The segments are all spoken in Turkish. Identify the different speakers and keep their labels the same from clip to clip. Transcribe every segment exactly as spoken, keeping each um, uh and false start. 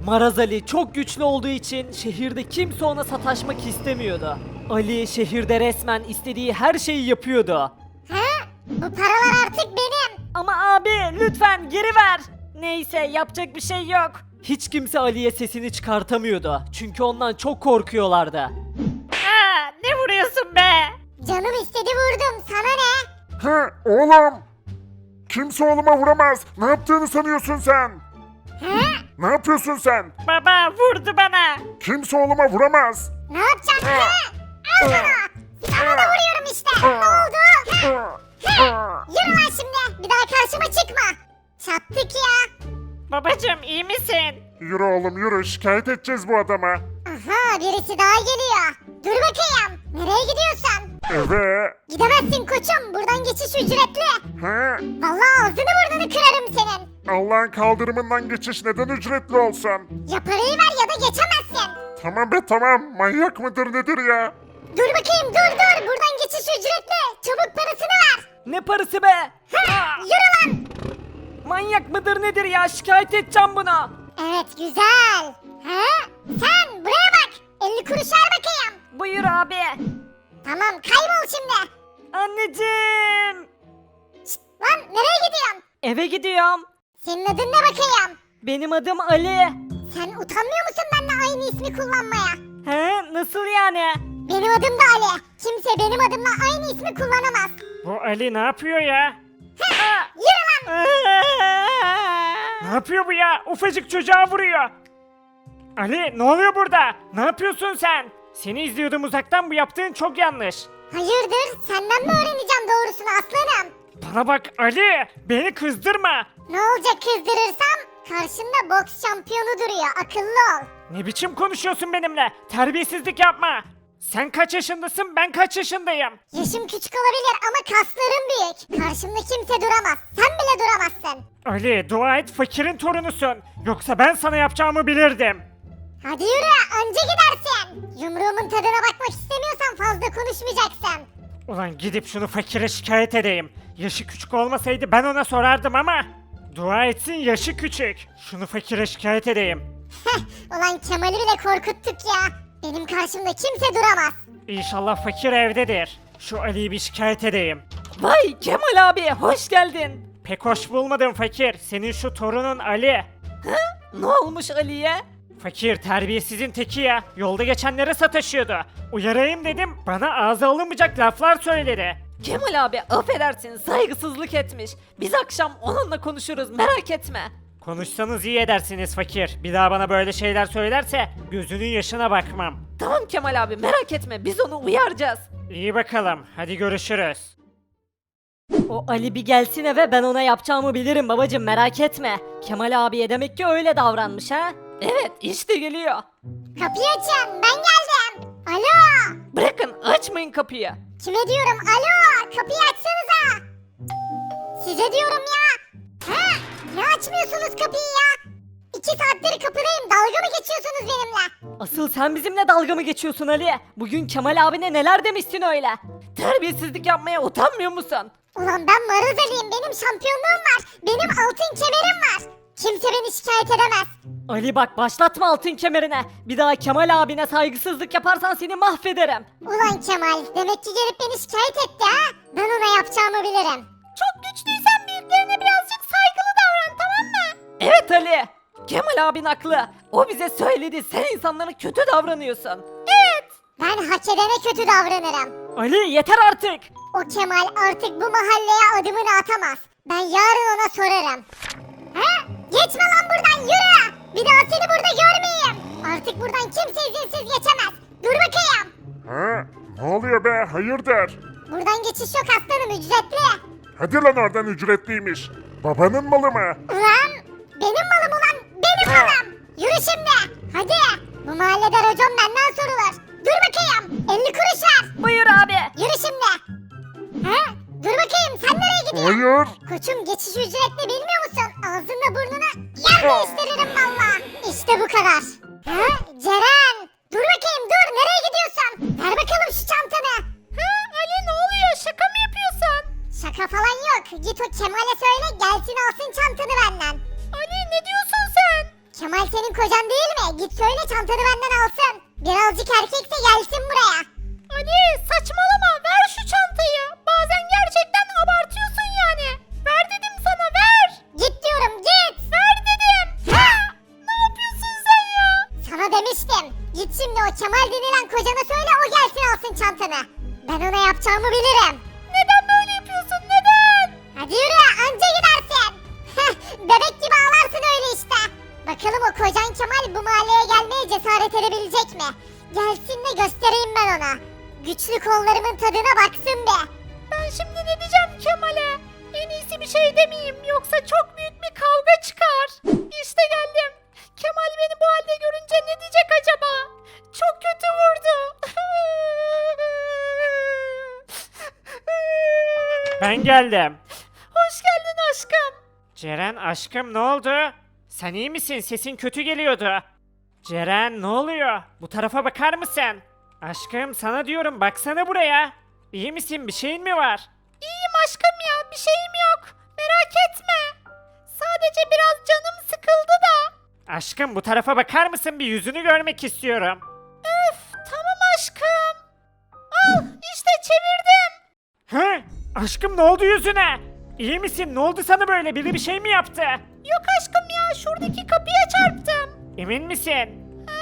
Speaker 1: Maraz Ali çok güçlü olduğu için şehirde kimse ona sataşmak istemiyordu. Ali şehirde resmen istediği her şeyi yapıyordu.
Speaker 2: He? Bu paralar artık benim.
Speaker 1: Ama abi lütfen geri ver. Neyse yapacak bir şey yok. Hiç kimse Ali'ye sesini çıkartamıyordu. Çünkü ondan çok korkuyorlardı.
Speaker 3: Aa, ne vuruyorsun be?
Speaker 2: Canım istedi vurdum. Sana ne?
Speaker 4: He oğlum. Kimse oğluma vuramaz. Ne yaptığını sanıyorsun sen?
Speaker 2: He?
Speaker 4: Ne yapıyorsun sen?
Speaker 3: Baba vurdu bana.
Speaker 4: Kimse oğluma vuramaz.
Speaker 2: Ne yapacaksın? He? Al sana. Sana da vuruyorum işte. Ne oldu? He? He? Yürü lan şimdi. Bir daha karşıma çıkma. Çattık ya.
Speaker 3: Babacım iyi misin?
Speaker 4: Yürü oğlum yürü. Şikayet edeceğiz bu adama.
Speaker 2: Aha birisi daha geliyor. Dur bakayım. Nereye gidiyorsun?
Speaker 4: Eve.
Speaker 2: Gidemezsin koçum. Buradan geçiş ücretli.
Speaker 4: He?
Speaker 2: Vallahi ağzını burnunu kırarım senin.
Speaker 4: Allah'ın kaldırımından geçiş neden ücretli olsun?
Speaker 2: Ya parayı ver ya da geçemezsin.
Speaker 4: Tamam be tamam. Manyak mıdır nedir ya?
Speaker 2: Dur bakayım dur dur. Buradan geçiş ücretli. Çabuk parasını ver.
Speaker 1: Ne parası be?
Speaker 2: Heh, yürü lan.
Speaker 1: Manyak mıdır nedir ya? Şikayet edeceğim bunu.
Speaker 2: Evet güzel. He? Sen buraya bak. elli kuruş ver bakayım.
Speaker 1: Buyur abi.
Speaker 2: Tamam kaybol şimdi.
Speaker 1: Anneciğim.
Speaker 2: Şşt, lan nereye gidiyorsun?
Speaker 1: Eve gidiyorum.
Speaker 2: Senin adın ne bakayım?
Speaker 1: Benim adım Ali.
Speaker 2: Sen utanmıyor musun benimle aynı ismi kullanmaya?
Speaker 1: He? Nasıl yani?
Speaker 2: Benim adım da Ali. Kimse benim adımla aynı ismi kullanamaz.
Speaker 3: Bu Ali ne yapıyor ya?
Speaker 2: Heh, yürü lan.
Speaker 3: Ne yapıyor bu ya? Ufacık çocuğa vuruyor. Ali ne oluyor burada? Ne yapıyorsun sen? Seni izliyordum uzaktan, bu yaptığın çok yanlış.
Speaker 2: Hayırdır? Senden mi öğreneceğim doğrusunu aslanım?
Speaker 3: Bana bak Ali, beni kızdırma.
Speaker 2: Ne olacak kızdırırsam? Karşında boks şampiyonu duruyor. Akıllı ol.
Speaker 3: Ne biçim konuşuyorsun benimle? Terbiyesizlik yapma. Sen kaç yaşındasın, ben kaç yaşındayım?
Speaker 2: Yaşım küçük olabilir ama kaslarım büyük. Karşımda kimse duramaz. Sen bile duramazsın.
Speaker 3: Ali dua et fakirin torunusun. Yoksa ben sana yapacağımı bilirdim.
Speaker 2: Hadi yürü anca gidersin. Yumruğumun tadına bakmak istemiyorsan fazla konuşmayacaksın.
Speaker 3: Ulan gidip şunu fakire şikayet edeyim. Yaşı küçük olmasaydı ben ona sorardım ama. Dua etsin yaşı küçük. Şunu fakire şikayet edeyim.
Speaker 2: Heh, ulan Kemal'i bile korkuttuk ya. Benim karşımda kimse duramaz.
Speaker 3: İnşallah fakir evdedir. Şu Ali'yi bir şikayet edeyim.
Speaker 1: Vay Kemal abi hoş geldin.
Speaker 3: Pek hoş bulmadım fakir. Senin şu torunun Ali.
Speaker 1: Ne olmuş Ali'ye?
Speaker 3: Fakir terbiyesizin teki ya. Yolda geçenlere sataşıyordu. Uyarayım dedim. Bana ağza alınmayacak laflar söyledi.
Speaker 1: Kemal abi affedersin saygısızlık etmiş. Biz akşam onunla konuşuruz merak etme.
Speaker 3: Konuşsanız iyi edersiniz fakir. Bir daha bana böyle şeyler söylerse gözünün yaşına bakmam.
Speaker 1: Tamam Kemal abi merak etme biz onu uyaracağız.
Speaker 3: İyi bakalım. Hadi görüşürüz.
Speaker 1: O Ali bir gelsin eve ben ona yapacağımı bilirim babacım merak etme. Kemal abiye demek ki öyle davranmış ha? Evet işte geliyor.
Speaker 2: Kapıyı açın ben geldim. Alo.
Speaker 1: Bırakın açmayın kapıyı.
Speaker 2: Kime diyorum alo kapıyı açsanıza. Size diyorum ya. He? Ne açmıyorsunuz kapıyı ya? İki saattir kapıdayım dalga mı geçiyorsunuz benimle?
Speaker 1: Asıl sen bizimle dalga mı geçiyorsun Ali? Bugün Kemal abine neler demişsin öyle? Terbiyesizlik yapmaya utanmıyor musun?
Speaker 2: Ulan ben Maraz Ali'yim benim şampiyonluğum var. Benim altın kemerim var. Kimse beni şikayet edemez.
Speaker 1: Ali bak başlatma altın kemerine. Bir daha Kemal abine saygısızlık yaparsan seni mahvederim.
Speaker 2: Ulan Kemal demek ki gelip beni şikayet etti ha? Ben ona yapacağımı bilirim.
Speaker 1: Çok güçlüysen büyüklerine birazcık saygılı davran tamam mı? Evet Ali. Kemal abin haklı. O bize söyledi sen insanlara kötü davranıyorsun. Evet.
Speaker 2: Ben hak edene kötü davranırım.
Speaker 1: Ali yeter artık.
Speaker 2: O Kemal artık bu mahalleye adımını atamaz. Ben yarın ona sorarım. He? Geçme lan buradan yürü. Bir daha seni burada görmeyeyim. Artık buradan kimse izinsiz geçemez. Dur bakayım.
Speaker 4: Ha? Ne oluyor be? Hayırdır?
Speaker 2: Buradan geçiş yok aslanım ücretli.
Speaker 4: Hadi lan oradan ücretliymiş. Babanın malı mı?
Speaker 2: Ulan benim malım ulan benim malım. Yürü şimdi. Hadi. Bu mahallede racon benden sorulur. Dur bakayım. elli kuruş ver.
Speaker 1: Buyur abi.
Speaker 2: Yürü şimdi. He? Dur bakayım sen nereye gidiyorsun?
Speaker 4: Hayır.
Speaker 2: Koçum geçiş ücretli bilmiyor musun? Ağzınla burnuna yer değiştiririm valla. İşte bu kadar. He? Ceren. Dur bakayım dur nereye gidiyorsun? Ver bakalım şu çantanı. Ha Ali ne oluyor şaka mı yapıyorsun? Şaka falan yok. Git o Kemal'e söyle gelsin alsın çantanı benden. Ali ne diyorsun sen? Kemal senin kocan değil mi? Git söyle çantanı benden alsın. Birazcık erkekse gelsin buraya. Ali saçmalama ver şu çantayı. Bazen gerçekten abartıyorsun yani. Ver dedim sana ver. Git diyorum git. Ver dedim. Ha! Ne yapıyorsun sen ya? Sana demiştim. Git şimdi o Kemal denilen kocana söyle o gelsin alsın çantanı. Ben ona yapacağımı bilirim. Neden böyle yapıyorsun neden? Hadi yürü anca gidersin. Bebek gibi ağlarsın öyle işte. Bakalım o kocan Kemal bu mahalleye gelmeye cesaret edebilecek mi? Gelsin de göstereyim ben ona. Güçlü kollarımın tadına baksın be. Ben şimdi ne diyeceğim Kemal'e? En iyisi bir şey demeyeyim yoksa çok büyük bir kavga çıkar. İşte geldim. Kemal beni bu halde görünce ne diyecek acaba? Çok kötü vurdu.
Speaker 3: Ben geldim.
Speaker 2: Hoş geldin aşkım.
Speaker 3: Ceren aşkım ne oldu? Sen iyi misin? Sesin kötü geliyordu. Ceren ne oluyor? Bu tarafa bakar mısın? Aşkım sana diyorum baksana buraya. İyi misin? Bir şeyin mi var?
Speaker 2: İyiyim aşkım ya bir şeyim yok. Merak etme. Sadece biraz canım sıkıldı da.
Speaker 3: Aşkım bu tarafa bakar mısın? Bir yüzünü görmek istiyorum.
Speaker 2: Öf tamam aşkım. Al işte çevirdim.
Speaker 3: Hı? Aşkım ne oldu yüzüne? İyi misin? Ne oldu sana böyle? Biri bir şey mi yaptı?
Speaker 2: Yok aşkım ya şuradaki kapıya çarptım.
Speaker 3: Emin misin?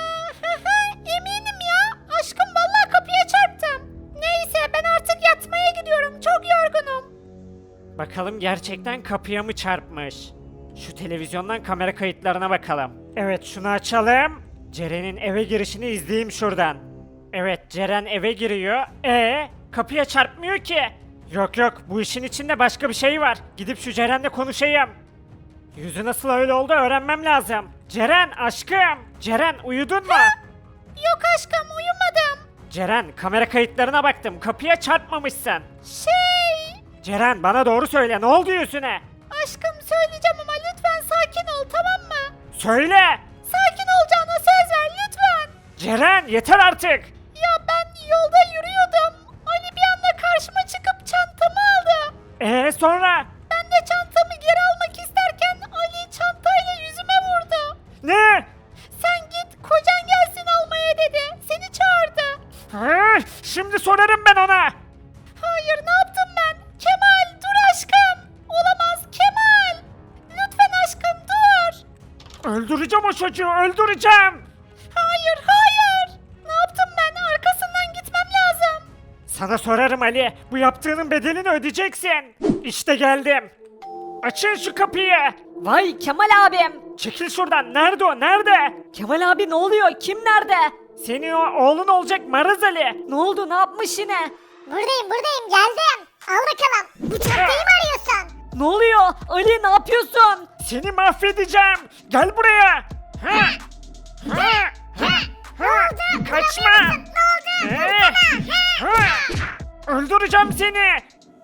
Speaker 2: Eminim ya. Aşkım vallahi kapıya çarptım. Neyse ben artık yatmaya gidiyorum. Çok yorgunum.
Speaker 3: Bakalım gerçekten kapıya mı çarpmış? Şu televizyondan kamera kayıtlarına bakalım. Evet şunu açalım. Ceren'in eve girişini izleyeyim şuradan. Evet Ceren eve giriyor. E kapıya çarpmıyor ki. Yok yok bu işin içinde başka bir şey var. Gidip şu Ceren'le konuşayım. Yüzü nasıl öyle oldu öğrenmem lazım. Ceren aşkım. Ceren uyudun mu?
Speaker 2: Yok aşkım uyumadım.
Speaker 3: Ceren kamera kayıtlarına baktım. Kapıya çarpmamışsın.
Speaker 2: Şey...
Speaker 3: Ceren bana doğru söyle ne oldu yüzüne?
Speaker 2: Aşkım söyleyeceğim ama lütfen sakin ol tamam mı?
Speaker 3: Söyle.
Speaker 2: Sakin olacağına söz ver lütfen.
Speaker 3: Ceren yeter artık.
Speaker 2: Ya ben yolda yürüyordum. Ali bir anda karşıma çıkıp çantamı aldı.
Speaker 3: Ee sonra?
Speaker 2: Ben de çantamı geri almak isterken Ali çantayla yüzüme vurdu.
Speaker 3: Ne?
Speaker 2: Sen git kocan gelsin almaya dedi. Seni çağırdı.
Speaker 3: Hı, şimdi sorarım ben ona.
Speaker 2: Hayır ne yaptım ben? Kemal dur aşkım. Olamaz Kemal. Lütfen aşkım dur.
Speaker 3: Öldüreceğim o çocuğu öldüreceğim.
Speaker 2: Hayır hayır. Ne yaptım ben? Arkasından gitmem lazım.
Speaker 3: Sana sorarım Ali. Bu yaptığının bedelini ödeyeceksin. İşte geldim. Açın şu kapıyı.
Speaker 1: Vay Kemal abim.
Speaker 3: Çekil şuradan. Nerede o? Nerede?
Speaker 1: Kemal abi ne oluyor? Kim nerede?
Speaker 3: Senin o oğlun olacak Maraz Ali.
Speaker 1: Ne oldu? Ne yapmış yine?
Speaker 2: Buradayım buradayım geldim. Al bakalım. Bu çantayı mı arıyorsun?
Speaker 1: Ne oluyor? Ali ne yapıyorsun?
Speaker 3: Seni mahvedeceğim. Gel buraya. Ha. Ha. Ha. Ha. Kaçma.
Speaker 2: Ne oldu?
Speaker 3: Ee. Ha. Öldüreceğim seni.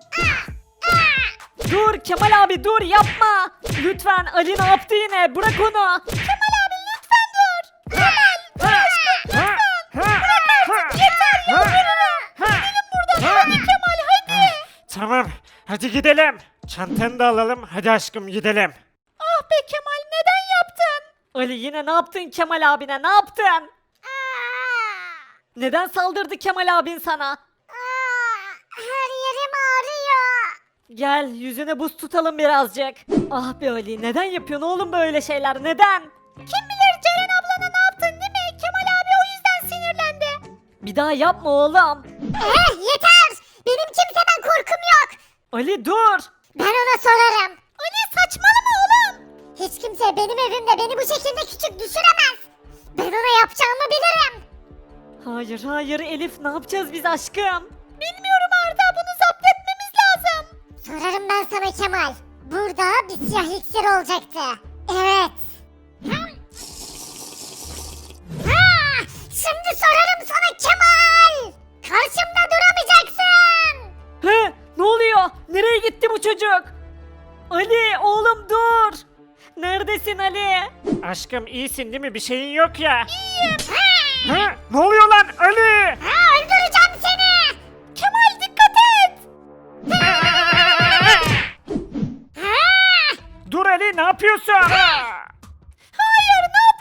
Speaker 1: Dur Kemal abi dur yapma. Lütfen Ali ne yaptı yine? Bırak onu.
Speaker 2: Kemal abi lütfen dur. Kemal.
Speaker 3: Ha. Ha. Ha. Ha.
Speaker 2: Yeter ya.
Speaker 3: Ha. Ha.
Speaker 2: Buradan
Speaker 3: Ha.
Speaker 2: hadi Kemal hadi.
Speaker 3: Tamam. Hadi gidelim. Çantanı da alalım. Hadi aşkım gidelim.
Speaker 2: Ah be Kemal neden yaptın?
Speaker 1: Ali yine ne yaptın Kemal abine? Ne yaptın? Neden saldırdı Kemal abin sana?
Speaker 2: Her yerim ağrıyor.
Speaker 1: Gel yüzüne buz tutalım birazcık. Ah be Ali neden yapıyorsun oğlum böyle şeyler neden?
Speaker 2: Kim bilir Ceren ablana ne yaptın değil mi? Kemal abi o yüzden sinirlendi.
Speaker 1: Bir daha yapma oğlum.
Speaker 2: Eh yeter. Benim kimseden korkum yok.
Speaker 1: Ali dur.
Speaker 2: Ben ona sorarım. Ali saçmalama oğlum. Hiç kimse benim evimde beni bu şekilde küçük düşüremez. Ben ona yapacağımı bilirim.
Speaker 1: Hayır hayır Elif ne yapacağız biz aşkım?
Speaker 2: Bilmiyorum Arda bunu zapt etmemiz lazım. Sorarım ben sana Kemal. Burada bir siyah iksir olacaktı. Evet. Ha, şimdi sorarım sana Kemal. Karşımda duramayacaksın.
Speaker 1: He ne oluyor? Nereye gitti bu çocuk? Ali oğlum dur. Neredesin Ali?
Speaker 3: Aşkım iyisin değil mi? Bir şeyin yok ya.
Speaker 2: İyiyim.
Speaker 3: Ha? Ne oluyor lan Ali?
Speaker 2: Ha, öldüreceğim seni. Kemal dikkat et.
Speaker 3: Dur Ali ne yapıyorsun?
Speaker 2: Hayır ne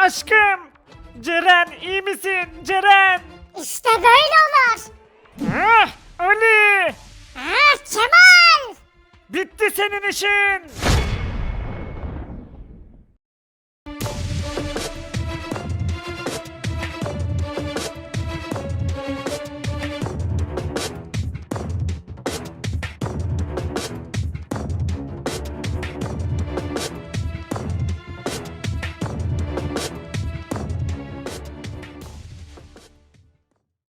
Speaker 3: aşkım. Ceren iyi misin Ceren?
Speaker 2: İşte böyle olur.
Speaker 3: Ah, Ali.
Speaker 2: Ha, Kemal!
Speaker 3: Bitti senin işin.